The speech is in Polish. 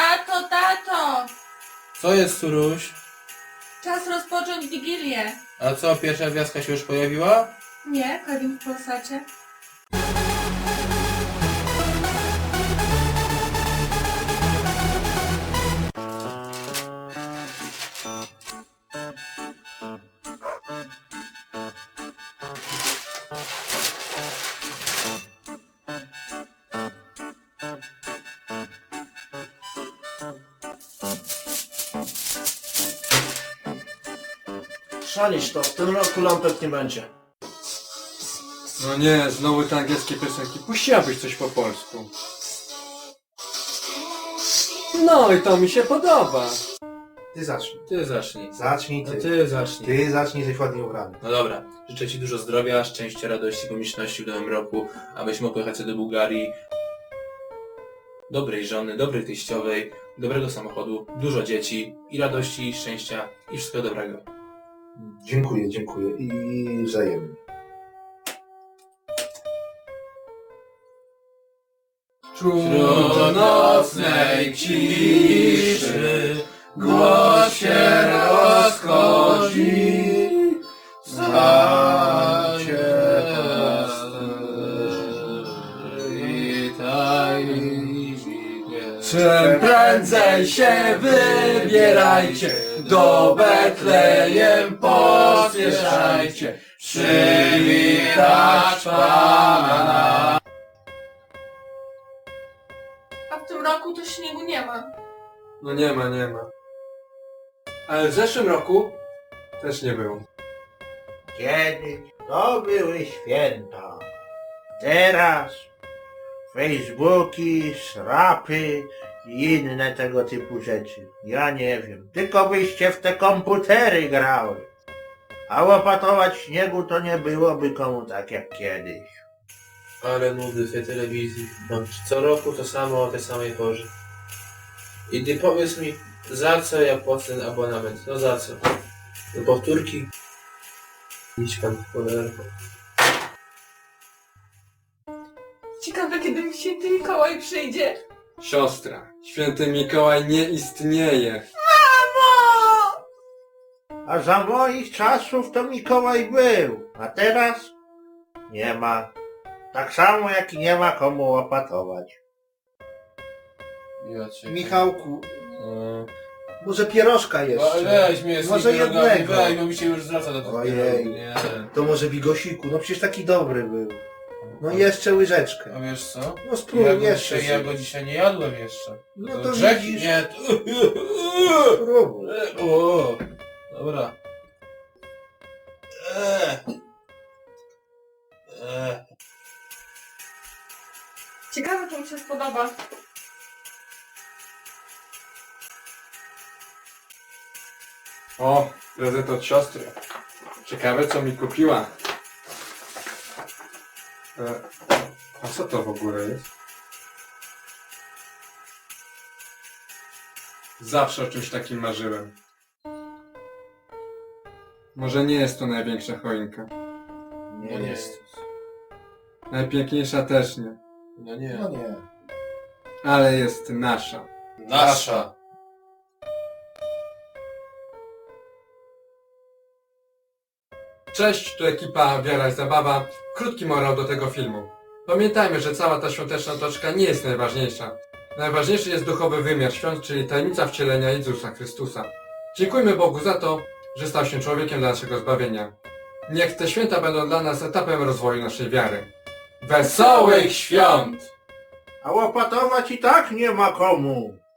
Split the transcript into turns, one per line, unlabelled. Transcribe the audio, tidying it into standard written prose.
Tato, tato!
Co jest, Suruś?
Czas rozpocząć Wigilię.
A co, pierwsza gwiazdka się już pojawiła?
Nie, Kevin w Polsacie.
Szalisz to, w tym roku lampek nie będzie.
No nie, znowu te angielskie piosenki. Puściłabyś coś po polsku. No i to mi się podoba.
Ty zacznij.
Ty zacznij.
Zacznij
No
ty.
ty zacznij.
Ty zacznij, jesteś ładnie ubrany.
No dobra, życzę Ci dużo zdrowia, szczęścia, radości, pomyślności w nowym roku, abyś mógł jechać do Bułgarii. Dobrej żony, dobrej teściowej, dobrego samochodu, dużo dzieci i radości, i szczęścia i wszystkiego dobrego.
Dziękuję, dziękuję. I wzajemnie.
Wśród nocnej ciszy głos się rozchodzi, stacie i tajemnicznie.
Czym prędzej się wybierajcie, do Betlejem pospieszajcie, przywitać Pana.
A w tym roku to śniegu nie ma.
No nie ma, nie ma. Ale w zeszłym roku też nie było.
Kiedyś to były święta. Teraz Facebooki, srapy i inne tego typu rzeczy. Ja nie wiem. Tylko byście w te komputery grały. A łopatować śniegu to nie byłoby komu tak jak kiedyś.
Ale nudy w tej telewizji. No, co roku to samo o tej samej porze. I ty powiedz mi, za co ja płacę ten abonament? No za co? Do powtórki? Idź pan w cholerę.
Ciekawe, kiedy mi święty Mikołaj przyjdzie.
Siostra, święty Mikołaj nie istnieje.
Mamo!
A za moich czasów to Mikołaj był. A teraz? Nie ma. Tak samo jak i nie ma komu łopatować.
Ja cię...
Michałku,
No.
może pierożka jeszcze?
Weź mnie z
Może
tymi pierogami,
jednego.
weź, bo mi się już zwraca do tych
Ojej.
pierogów. Nie.
To może bigosiku, no przecież taki dobry był. No jeszcze łyżeczkę.
A wiesz co?
No spróbuj jeszcze.
Ja go dzisiaj nie jadłem jeszcze.
No to
grzech?
widzisz.
Nie.
Spróbuj.
O, dobra.
Ciekawe, czy mi się spodoba.
O, prezent od siostry. Ciekawe co mi kupiła. A co to w ogóle jest? Zawsze o czymś takim marzyłem. Może nie jest to największa choinka.
No nie jest.
Najpiękniejsza też nie.
No nie.
No nie.
Ale jest nasza.
Nasza.
Cześć, tu ekipa Wiara i Zabawa. Krótki morał do tego filmu. Pamiętajmy, że cała ta świąteczna otoczka nie jest najważniejsza. Najważniejszy jest duchowy wymiar świąt, czyli tajemnica wcielenia Jezusa Chrystusa. Dziękujmy Bogu za to, że stał się człowiekiem dla naszego zbawienia. Niech te święta będą dla nas etapem rozwoju naszej wiary. Wesołych świąt!
A łopatować i tak nie ma komu.